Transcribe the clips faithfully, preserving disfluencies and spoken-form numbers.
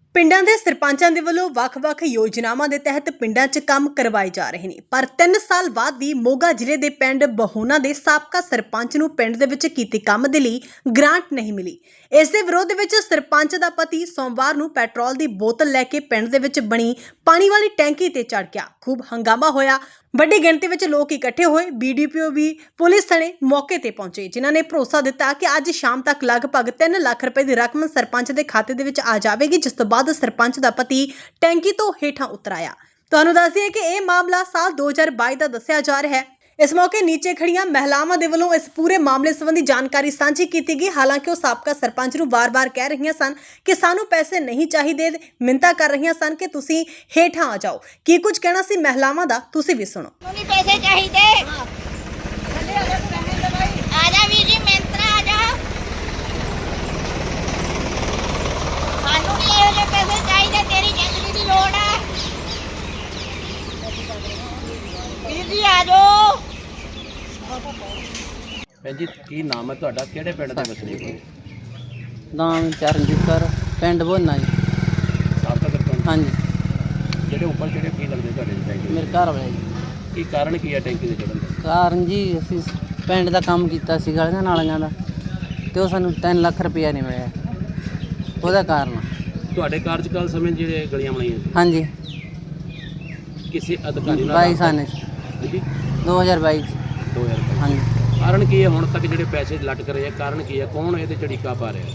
ਪਿੰਡਾਂ ਦੇ ਸਰਪੰਚਾਂ ਦੇ ਵੱਲੋਂ ਵੱਖ-ਵੱਖ ਯੋਜਨਾਵਾਂ ਦੇ ਤਹਿਤ ਪਿੰਡਾਂ 'ਚ ਕੰਮ ਕਰਵਾਏ ਜਾ ਰਹੇ ਨੇ, ਪਰ ਤਿੰਨ ਸਾਲ ਬਾਅਦ ਵੀ ਮੋਗਾ ਜ਼ਿਲ੍ਹੇ ਦੇ ਪਿੰਡ ਬਹੋਨਾ ਦੇ ਸਾਬਕਾ ਸਰਪੰਚ ਨੂੰ ਪਿੰਡ ਦੇ ਵਿੱਚ ਕੀਤੇ ਕੰਮ ਦੇ ਲਈ ਗ੍ਰਾਂਟ ਨਹੀਂ ਮਿਲੀ। ਇਸ ਦੇ ਵਿਰੋਧ ਵਿੱਚ ਸਰਪੰਚ ਦਾ ਪਤੀ ਸੋਮਵਾਰ ਨੂੰ ਪੈਟਰੋਲ ਦੀ ਬੋਤਲ ਲੈ ਕੇ ਪਿੰਡ ਦੇ ਵਿੱਚ ਬਣੀ ਪਾਣੀ ਵਾਲੀ ਟੈਂਕੀ ਤੇ ਚੜ੍ਹ ਗਿਆ। ਖੂਬ ਹੰਗਾਮਾ ਹੋਇਆ। ਵੱਡੀ ਗਿਣਤੀ ਵਿੱਚ ਲੋਕ ਇਕੱਠੇ ਹੋਏ। ਬੀਡੀਪੀਓ ਵੀ ਪੁਲਿਸ ਥਾਣੇ ਮੌਕੇ ਤੇ ਪਹੁੰਚੇ, ਜਿਨ੍ਹਾਂ ਨੇ ਭਰੋਸਾ ਦਿੱਤਾ ਕਿ ਅੱਜ ਸ਼ਾਮ ਤੱਕ ਲਗਭਗ ਤਿੰਨ ਲੱਖ ਰੁਪਏ ਦੀ ਰਕਮ ਸਰਪੰਚ ਦੇ ਖਾਤੇ ਦੇ ਵਿੱਚ ਆ ਜਾਵੇਗੀ, ਜਿਸ ਤੋਂ ਬਾਅਦ ਸਰਪੰਚ ਦਾ ਪਤੀ ਟੈਂਕੀ ਤੋਂ ਹੇਠਾਂ ਉਤਰ ਆਇਆ। ਤੁਹਾਨੂੰ ਦੱਸ ਦਈਏ ਕਿ ਇਹ ਮਾਮਲਾ ਸਾਲ ਦੋ ਹਜ਼ਾਰ ਬਾਈ ਦਾ ਦੱਸਿਆ ਜਾ ਰਿਹਾ ਹੈ। ਇਸ ਮੌਕੇ ਨੀਚੇ ਖੜੀਆਂ ਮਹਿਲਾਵਾਂ ਦੇ ਵੱਲੋਂ ਇਸ ਪੂਰੇ ਮਾਮਲੇ ਸੰਬੰਧੀ ਜਾਣਕਾਰੀ ਸਾਂਝੀ ਕੀਤੀ ਗਈ। ਹਾਲਾਂਕਿ ਉਹ ਸਾਬਕਾ ਸਰਪੰਚ ਨੂੰ ਵਾਰ-ਵਾਰ ਕਹਿ ਰਹੀਆਂ ਸਨ ਕਿ ਸਾਨੂੰ ਪੈਸੇ ਨਹੀਂ ਚਾਹੀਦੇ, ਮਿੰਨਤਾਂ ਕਰ ਰਹੀਆਂ ਸਨ ਕਿ ਤੁਸੀਂ ਹੇਠਾਂ ਆ ਜਾਓ। ਕੀ ਕੁਝ ਕਹਿਣਾ ਸੀ ਮਹਿਲਾਵਾਂ ਦਾ, ਤੁਸੀਂ ਵੀ ਸੁਣੋ। ਨਹੀਂ ਪੈਸੇ ਚਾਹੀਦੇ, ਆ ਜਾ ਵੀਰ ਜੀ, ਮਿੰਤਰਾ ਆ ਜਾ। ਸਾਨੂੰ ਨਹੀਂ ਇਹੋ ਜਿਹੇ ਪੈਸੇ ਚਾਹੀਦੇ, ਤੇਰੀ ਜ਼ਿੰਦਗੀ ਦੀ ਲੋੜ ਹੈ ਵੀਰ ਜੀ, ਆ ਜਾਓ। ਭੈਣ ਜੀ ਕੀ ਨਾਮ ਹੈ ਤੁਹਾਡਾ, ਕਿਹੜੇ ਪਿੰਡ ਦੇ ਵਸਨੀਕ ਹੋ? ਨਾਮ ਚਰਨਜੀਤ ਕੌਰ, ਪਿੰਡ ਬਹੋਨਾ ਜੀ। ਸਾਬਕਾ ਸਰਪੰਚ? ਹਾਂਜੀ, ਜਿਹੜੇ ਉੱਪਰ ਜਿਹੜੇ ਕੀ ਲੱਗਦੇ ਤੁਹਾਡੇ ਟੈਂਕੀ? ਮੇਰੇ ਘਰ ਵਾਲੇ ਜੀ। ਕੀ ਕਾਰਨ ਕੀ ਹੈ ਟੈਂਕੀ ਦੇ ਚੜ੍ਹਨ ਦਾ? ਕਾਰਨ ਜੀ ਅਸੀਂ ਪਿੰਡ ਦਾ ਕੰਮ ਕੀਤਾ ਸੀ ਗਲੀਆਂ ਨਾਲੀਆਂ ਦਾ, ਤੇ ਉਹ ਸਾਨੂੰ ਤਿੰਨ ਲੱਖ ਰੁਪਇਆ ਨਹੀਂ ਮਿਲਿਆ, ਉਹਦਾ ਕਾਰਨ। ਤੁਹਾਡੇ ਕਾਰਜਕਾਲ ਸਮੇਂ ਜਿਹੜੇ ਗਲੀਆਂ ਬਣਾਈਆਂ ਸੀ, ਹਾਂਜੀ, ਕਿਸੇ ਅਧਿਕਾਰੀ ਨਾਲ ਬਾਈ ਸਾਲ ਜੀ ਦੋ ਹਜ਼ਾਰ ਬਾਈ ਦੋ ਹਜ਼ਾਰ ਬਾਈ। ਹਾਂਜੀ। ਕਾਰਨ ਕੀ ਹੈ ਹੁਣ ਤੱਕ ਜਿਹੜੇ ਪੈਸੇ ਲਟਕ ਰਹੇ ਆ? ਕਾਰਨ ਕੀ ਹੈ? ਕੌਣ ਇਹਦੇ ਚੜੀਕਾ ਪਾ ਰਿਹਾ?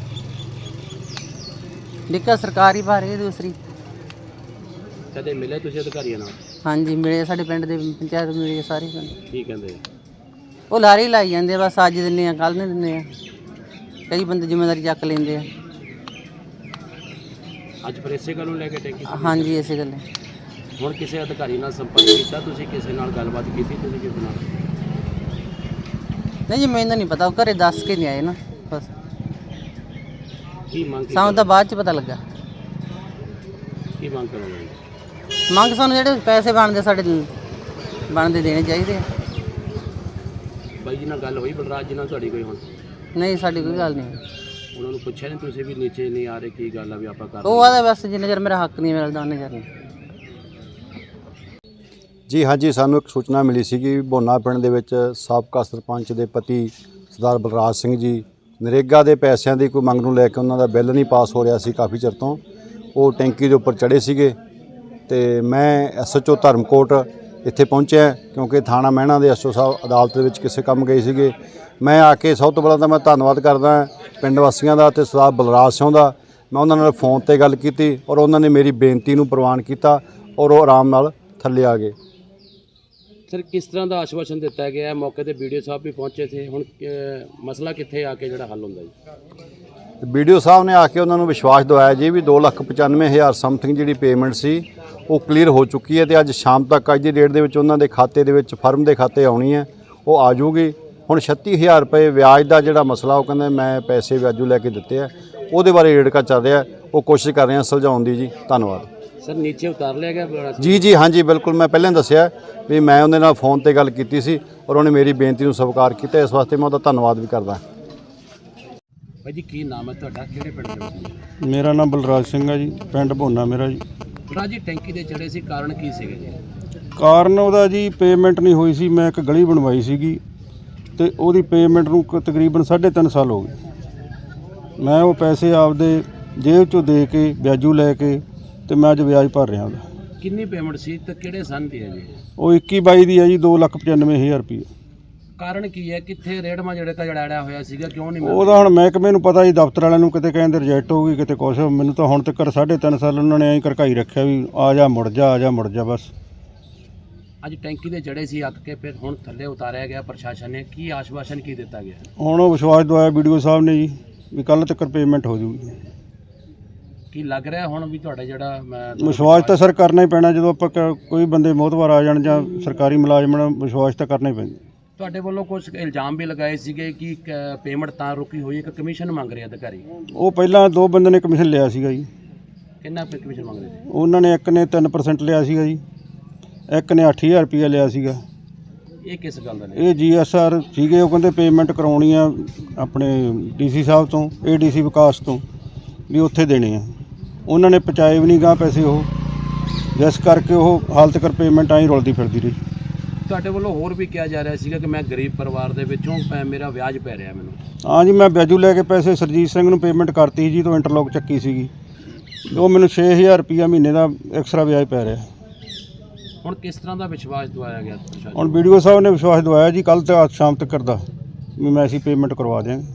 ਦਿੱਕਤ ਸਰਕਾਰੀ ਪਾ ਰਹੀ ਹੈ ਦੂਸਰੀ। ਕਦੇ ਮਿਲੇ ਤੁਸੀਂ ਅਧਿਕਾਰੀਆਂ ਨਾਲ? ਹਾਂਜੀ ਮਿਲੇ, ਸਾਡੇ ਪਿੰਡ ਦੇ ਪੰਚਾਇਤ ਮਿਲੀ ਸਾਰੀ ਪਿੰਡ। ਕੀ ਕਹਿੰਦੇ? ਉਹ ਲਾਰੀ ਲਾਈ ਜਾਂਦੇ ਆ, ਬਸ ਅੱਜ ਦਿੰਦੇ ਆ ਕੱਲ੍ਹ ਨਹੀਂ ਦਿੰਦੇ ਆ। ਕਈ ਬੰਦੇ ਜ਼ਿੰਮੇਵਾਰੀ ਚੱਕ ਲੈਂਦੇ ਆ। ਅੱਜ ਫਿਰ ਇਸੇ ਗੱਲ ਨੂੰ ਲੈ ਕੇ ਟੈਂਕੀ? ਹਾਂਜੀ, ਇਸੇ ਗੱਲ। ਹੁਣ ਕਿਸੇ ਅਧਿਕਾਰੀ ਨਾਲ ਸੰਪਰਕ ਕੀਤਾ ਤੁਸੀਂ? ਕਿਸੇ ਨਾਲ ਗੱਲਬਾਤ ਕੀਤੀ ਤੁਸੀਂ ਕਿਸੇ ਨਾਲ? ਨਹੀਂ ਜੀ, ਮੈਨੂੰ ਨਹੀਂ ਪਤਾ, ਉਹ ਘਰੇ ਦੱਸ ਕੇ ਨਹੀਂ ਆਏ ਨਾ, ਬਸ ਕੀ ਮੰਗ ਸਾਨੂੰ ਤਾਂ ਬਾਅਦ 'ਚ ਪਤਾ ਲੱਗਾ। ਕੀ ਮੰਗ ਕਰੋਗੇ? ਮੰਗ ਸਾਨੂੰ ਜਿਹੜੇ ਪੈਸੇ ਬਣਦੇ ਸਾਡੇ ਬਣਦੇ ਦੇਣੇ ਚਾਹੀਦੇ ਆ। ਬਾਈ ਜੀ ਨਾਲ ਗੱਲ ਹੋਈ ਬਲਰਾਜ ਜੀ ਨਾਲ ਤੁਹਾਡੀ ਕੋਈ? ਹੁਣ ਨਹੀਂ, ਸਾਡੀ ਕੋਈ ਗੱਲ ਨਹੀਂ। ਉਹਨਾਂ ਨੂੰ ਪੁੱਛਿਆ ਨਹੀਂ ਤੁਸੀਂ ਵੀ ਨੀਚੇ ਨਹੀਂ ਆ ਰਹੇ, ਕੀ ਗੱਲ ਆ ਵੀ ਆਪਾਂ ਕਰ? ਉਹ ਆਦਾ ਬਸ ਜਿੰਨੇ ਚਿਰ ਮੇਰਾ ਹੱਕ ਨਹੀਂ ਮਿਲਦਾ ਉਹਨੇ ਚਿਰ ਨਹੀਂ। ਜੀ ਹਾਂਜੀ, ਸਾਨੂੰ ਇੱਕ ਸੂਚਨਾ ਮਿਲੀ ਸੀ ਕਿ ਬਹੋਨਾ ਪਿੰਡ ਦੇ ਵਿੱਚ ਸਾਬਕਾ ਸਰਪੰਚ ਦੇ ਪਤੀ ਸਰਦਾਰ ਬਲਰਾਜ ਸਿੰਘ ਜੀ ਨਰੇਗਾ ਦੇ ਪੈਸਿਆਂ ਦੀ ਕੋਈ ਮੰਗ ਨੂੰ ਲੈ ਕੇ ਉਹਨਾਂ ਦਾ ਬਿੱਲ ਨਹੀਂ ਪਾਸ ਹੋ ਰਿਹਾ ਸੀ ਕਾਫੀ ਚਿਰ ਤੋਂ। ਉਹ ਟੈਂਕੀ ਦੇ ਉੱਪਰ ਚੜ੍ਹੇ ਸੀਗੇ ਤੇ ਮੈਂ ਐਸ ਐਚ ਓ ਧਰਮਕੋਟ ਇੱਥੇ ਪਹੁੰਚਿਆ ਕਿਉਂਕਿ ਥਾਣਾ ਮਹਿਣਾ ਦੇ ਐਸ ਓ ਸਾਹਿਬ ਅਦਾਲਤ ਦੇ ਵਿੱਚ ਕਿਸੇ ਕੰਮ ਗਏ ਸੀਗੇ। ਮੈਂ ਆ ਕੇ ਸਭ ਤੋਂ ਪਹਿਲਾਂ ਤਾਂ ਮੈਂ ਧੰਨਵਾਦ ਕਰਦਾ ਪਿੰਡ ਵਾਸੀਆਂ ਦਾ ਅਤੇ ਸਰਦਾਰ ਬਲਰਾਜ ਸਿੰਘ ਦਾ। ਮੈਂ ਉਹਨਾਂ ਨਾਲ ਫੋਨ 'ਤੇ ਗੱਲ ਕੀਤੀ ਔਰ ਉਹਨਾਂ ਨੇ ਮੇਰੀ ਬੇਨਤੀ ਨੂੰ ਪ੍ਰਵਾਨ ਕੀਤਾ ਔਰ ਉਹ ਆਰਾਮ ਨਾਲ ਥੱਲੇ ਆ ਗਏ। ਸਰ ਕਿਸ ਤਰ੍ਹਾਂ ਦਾ ਆਸ਼ਵਾਸਨ ਦਿੱਤਾ ਗਿਆ? ਮੌਕੇ ਤੇ ਵੀਡੀਓ ਸਾਹਿਬ ਵੀ ਪਹੁੰਚੇ ਥੇ, ਹੁਣ ਮਸਲਾ ਕਿੱਥੇ ਆ ਕੇ ਜਿਹੜਾ ਹੱਲ ਹੁੰਦਾ ਜੀ? ਵੀਡੀਓ ਸਾਹਿਬ ਨੇ ਆ ਕੇ ਉਹਨਾਂ ਨੂੰ ਵਿਸ਼ਵਾਸ ਦਿਵਾਇਆ ਜੀ ਵੀ ਦੋ ਲੱਖ ਪਚਾਨਵੇਂ ਹਜ਼ਾਰ ਸਮਥਿੰਗ ਜਿਹੜੀ ਪੇਮੈਂਟ ਸੀ ਉਹ ਕਲੀਅਰ ਹੋ ਚੁੱਕੀ ਹੈ ਤੇ ਅੱਜ ਸ਼ਾਮ ਤੱਕ ਅੱਜ ਦੀ ਡੇਟ ਦੇ ਵਿੱਚ ਉਹਨਾਂ ਦੇ ਖਾਤੇ ਦੇ ਵਿੱਚ ਫਰਮ ਦੇ ਖਾਤੇ ਆਉਣੀ ਹੈ, ਉਹ ਆ ਜਾਊਗੀ। ਹੁਣ ਛੱਤੀ ਹਜ਼ਾਰ ਰੁਪਏ ਵਿਆਜ ਦਾ ਜਿਹੜਾ ਮਸਲਾ ਉਹ ਕਹਿੰਦੇ ਮੈਂ ਪੈਸੇ ਵਿਆਜੂ ਲੈ ਕੇ ਦਿੱਤੇ ਆ, ਉਹਦੇ ਬਾਰੇ ਰੇੜਕਾ ਚੱਲ ਰਿਹਾ, ਉਹ ਕੋਸ਼ਿਸ਼ ਕਰ ਰਹੇ ਹਾਂ ਸੁਲਝਾਉਣ ਦੀ ਜੀ। ਧੰਨਵਾਦ। ਸਰ ਨੀਚੇ ਉਤਾਰ ਲਿਆ ਗਿਆ? ਜੀ ਜੀ ਹਾਂਜੀ ਬਿਲਕੁਲ, ਮੈਂ ਪਹਿਲਾਂ ਦੱਸਿਆ ਵੀ ਮੈਂ ਉਹਦੇ ਨਾਲ ਫੋਨ ਤੇ ਗੱਲ ਕੀਤੀ ਸੀ ਔਰ ਉਹਨੇ ਮੇਰੀ ਬੇਨਤੀ ਨੂੰ ਸਵੀਕਾਰ ਕੀਤਾ, ਇਸ ਵਾਸਤੇ ਮੈਂ ਉਹਦਾ ਧੰਨਵਾਦ ਵੀ ਕਰਦਾ। ਭਾਈ ਜੀ ਕੀ ਨਾਮ ਹੈ ਤੁਹਾਡਾ, ਕਿਹੜੇ ਪਿੰਡ ਦੇ ਵਿੱਚ? ਮੇਰਾ ਨਾਮ ਬਲਰਾਜ ਸਿੰਘ ਹੈ ਜੀ, ਪਿੰਡ ਬਹੋਨਾ ਮੇਰਾ ਜੀ। ਬਲਰਾਜ ਜੀ ਟੈਂਕੀ ਦੇ ਚੜੇ ਸੀ, ਕਾਰਨ ਕੀ ਸੀਗੇ ਜੀ? ਕਾਰਨ ਉਹਦਾ ਜੀ ਪੇਮੈਂਟ ਨਹੀਂ ਹੋਈ ਸੀ। ਮੈਂ ਇੱਕ ਗਲੀ ਬਣਵਾਈ ਸੀਗੀ ਤੇ ਉਹਦੀ ਪੇਮੈਂਟ ਨੂੰ ਕ- ਤਕਰੀਬਨ ਸਾਢੇ ਤਿੰਨ ਸਾਲ ਹੋ ਗਏ। ਮੈਂ ਉਹ ਪੈਸੇ ਆਪਦੇ ਜੇਬ 'ਚੋਂ ਦੇ ਕੇ ਵਿਆਜੂ ਲੈ ਕੇ ਤੇ ਮੈਂ ਅੱਜ ਵਿਆਜ ਭਰ ਰਿਹਾ ਉਹਦਾ। ਕਿੰਨੀ ਪੇਮੈਂਟ ਸੀ ਤੇ ਕਿਹੜੇ ਸੰਨ ਦੀ ਹੈ ਜੀ? ਉਹ ਇੱਕੀ ਬਾਈ ਦੀ ਹੈ ਜੀ, ਦੋ ਲੱਖ ਪਚਾਨਵੇਂ ਹਜ਼ਾਰ ਰੁਪਏ। ਕਾਰਨ ਕੀ ਹੈ? ਕਿੱਥੇ ਰੇੜਮਾ ਜਿਹੜੇ ਤਾਂ ਜੜਾੜਿਆ ਹੋਇਆ ਸੀਗਾ, ਕਿਉਂ ਨਹੀਂ ਮਿਲ ਰਿਹਾ? ਉਹਦਾ ਹੁਣ ਮਹਿਕਮੇ ਨੂੰ ਪਤਾ ਜੀ, ਦਫ਼ਤਰ ਵਾਲਿਆਂ ਨੂੰ ਕਿਤੇ ਕਹਿੰਦੇ ਰਿਜੈਕਟ ਹੋ ਗਈ, ਕਿਤੇ ਕੁਛ। ਮੈਨੂੰ ਤਾਂ ਹੁਣ ਤੱਕ ਸਾਢੇ ਤਿੰਨ ਸਾਲ ਉਹਨਾਂ ਨੇ ਐਂ ਕਰਕਾਈ ਰੱਖਿਆ ਵੀ ਆ ਜਾ ਮੁੜ ਜਾ, ਆ ਜਾ ਮੁੜ ਜਾ ਬਸ। ਅੱਜ ਟੈਂਕੀ ਦੇ ਚੜੇ ਸੀ ਅੱਕ ਕੇ, ਫਿਰ ਹੁਣ ਥੱਲੇ ਉਤਾਰਿਆ ਗਿਆ ਪ੍ਰਸ਼ਾਸਨ ਨੇ, ਕੀ ਆਸ਼ਵਾਸਨ ਕੀ ਦਿੱਤਾ ਗਿਆ? ਹੁਣ ਉਹ ਵਿਸ਼ਵਾਸ ਦਵਾਇਆ ਵੀਡੀਓ ਸਾਹਿਬ ਨੇ ਜੀ ਵੀ ਕੱਲ੍ਹ ਤੱਕ ਪੇਮੈਂਟ ਹੋ ਜੂਗੀ। ਕੀ ਲੱਗ ਰਿਹਾ ਹੁਣ ਵੀ ਤੁਹਾਡਾ ਜਿਹੜਾ ਮੈਂ ਵਿਸ਼ਵਾਸ ਤਾਂ ਸਰ ਕਰਨਾ ਹੀ ਪੈਣਾ, ਜਦੋਂ ਆਪਾਂ ਕ- ਕੋਈ ਬੰਦੇ ਮੋਹਤਵਾਰ ਆ ਜਾਣ ਜਾਂ ਸਰਕਾਰੀ ਮੁਲਾਜ਼ਮ ਨਾਲ, ਵਿਸ਼ਵਾਸ ਤਾਂ ਕਰਨਾ ਹੀ ਪੈਂਦਾ। ਤੁਹਾਡੇ ਵੱਲੋਂ ਕੁਝ ਇਲਜ਼ਾਮ ਵੀ ਲਗਾਏ ਸੀਗੇ ਕਿ ਪੇਮੈਂਟ ਤਾਂ ਰੁਕੀ ਹੋਈ ਹੈ ਕਿ ਕਮਿਸ਼ਨ ਮੰਗ ਰਹੇ ਅਧਿਕਾਰੀ? ਉਹ ਪਹਿਲਾਂ ਦੋ ਬੰਦੇ ਨੇ ਕਮਿਸ਼ਨ ਲਿਆ ਸੀਗਾ ਜੀ। ਕਿੰਨਾ ਕਮਿਸ਼ਨ ਮੰਗ ਰਹੇ ਸੀ? ਉਹਨਾਂ ਨੇ ਇੱਕ ਨੇ ਤਿੰਨ ਪਰਸੈਂਟ ਲਿਆ ਸੀਗਾ ਜੀ, ਇੱਕ ਨੇ ਅੱਠ ਹਜ਼ਾਰ ਰੁਪਈਆ ਲਿਆ ਸੀਗਾ। ਇਹ ਕਿਸ ਗੱਲ ਦਾ? ਇਹ ਜੀ ਐਸ ਆਰ ਸੀਗੇ, ਉਹ ਕਹਿੰਦੇ ਪੇਮੈਂਟ ਕਰਾਉਣੀ ਆ ਆਪਣੇ ਡੀ ਸੀ ਸਾਹਿਬ ਤੋਂ, ਏ ਡੀ ਸੀ ਵਿਕਾਸ ਤੋਂ, ਵੀ ਉੱਥੇ ਦੇਣੇ ਆ। ਉਹਨਾਂ ਨੇ ਪਹੁੰਚਾਏ ਵੀ ਨਹੀਂ ਗਾ ਪੈਸੇ ਉਹ, ਜਿਸ ਕਰਕੇ ਉਹ ਹਾਲ ਤੱਕ ਪੇਮੈਂਟ ਆਈ ਰੁਲਦੀ ਫਿਰਦੀ ਰਹੀ। ਤੁਹਾਡੇ ਵੱਲੋਂ ਹੋਰ ਵੀ ਕਿਹਾ ਜਾ ਰਿਹਾ ਸੀਗਾ ਕਿ ਮੈਂ ਗਰੀਬ ਪਰਿਵਾਰ ਦੇ ਵਿੱਚੋਂ ਪੈ- ਮੇਰਾ ਵਿਆਜ ਪੈ ਰਿਹਾ ਮੈਨੂੰ। ਹਾਂ ਜੀ, ਮੈਂ ਵਿਆਜੂ ਲੈ ਕੇ ਪੈਸੇ ਸਰਜੀਤ ਸਿੰਘ ਨੂੰ ਪੇਮੈਂਟ ਕਰਤੀ ਜੀ, ਤੋਂ ਇੰਟਰਲੋਕ ਚੱਕੀ ਸੀਗੀ, ਉਹ ਮੈਨੂੰ ਛੇ ਹਜ਼ਾਰ ਰੁਪਈਆ ਮਹੀਨੇ ਦਾ ਐਕਸਟਰਾ ਵਿਆਜ ਪੈ ਰਿਹਾ। ਹੁਣ ਕਿਸ ਤਰ੍ਹਾਂ ਦਾ ਵਿਸ਼ਵਾਸ ਦਵਾਇਆ ਗਿਆ ਪ੍ਰਸ਼ਾਸਨ ਹੁਣ ਵੀਡੀਓ ਸਾਹਿਬ ਨੇ ਵਿਸ਼ਵਾਸ ਦਵਾਇਆ ਜੀ ਕੱਲ੍ਹ ਤੇ ਅੱਜ ਸ਼ਾਮ ਤੱਕ ਕਰਦਾ ਵੀ ਮੈਂ ਅਸੀਂ ਪੇਮੈਂਟ ਕਰਵਾ ਦਿਆਂਗੇ।